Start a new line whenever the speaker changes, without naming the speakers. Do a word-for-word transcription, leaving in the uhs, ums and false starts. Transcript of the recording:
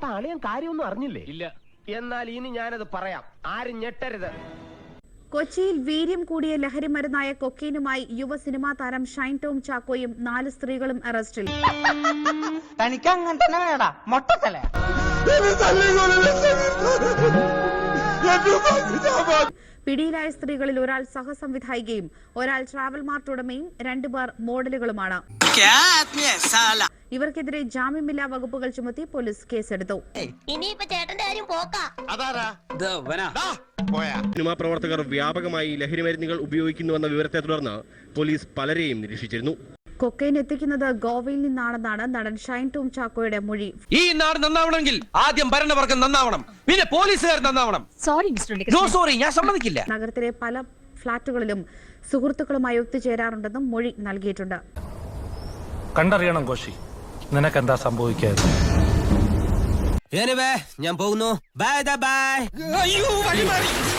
അപ്പൊ അളിയൻ കാര്യമൊന്നും അറിഞ്ഞില്ലേ?
ഇല്ല.
എന്നാൽ ഇനി ഞാനത് പറയാം, ആരും ഞെട്ടരുത്.
കൊച്ചിയിൽ വീര്യം കൂടിയ ലഹരി മരുന്നായ കൊക്കൈനുമായി യുവ സിനിമാ താരം ഷൈൻ ടോം ചാക്കോയും നാല് സ്ത്രീകളും അറസ്റ്റിൽ.
തനിക്ക് അങ്ങനെ തന്നെ വേടാ മൊട്ടത്തല.
പിടിയിലായ സ്ത്രീകളിൽ ഒരാൾ സഹസംവിധായികയും ഒരാൾ ട്രാവൽ മാർട്ട് ഉടമയും രണ്ടുപേർ മോഡലുകളുമാണ്. ഇവർക്കെതിരെ ജാമ്യമില്ലാ വകുപ്പുകൾ ചുമത്തി പോലീസ് കേസെടുത്തു.
സിനിമാ പ്രവർത്തകർ വ്യാപകമായി ലഹരി മരുന്നുകൾ ഉപയോഗിക്കുന്നുവെന്ന വിവരത്തെ തുടർന്ന് പോലീസ് പലരെയും നിരീക്ഷിച്ചിരുന്നു.
കൊക്കൈൻ എത്തിക്കുന്നത് ഗോവയിൽ നിന്നാണെന്നാണ് നടൻ ഷൈൻ ടോം ചാക്കോയുടെ മൊഴി.
ഈ നാട് നന്നാവണമെങ്കിൽ ആദ്യം ഭരണവർഗം നന്നാവണം, പിന്നെ പോലീസുകാർ നന്നാവണം.
സോറി മിസ്റ്റർ
നോ സോറി, ഞാൻ സമ്മതിക്കില്ല.
നഗരത്തിലെ പല ഫ്ളാറ്റുകളിലും സുഹൃത്തുക്കളുമായി ഒത്തുചേരാറുണ്ടെന്നും മൊഴി നൽകിയിട്ടുണ്ട്.
കണ്ടറിയണം കോശി, നിനക്കെന്താ സംഭവിക്കാതെ.
ഞാൻ പോകുന്നു. Bye bye. അയ്യോ വഴി മാറി.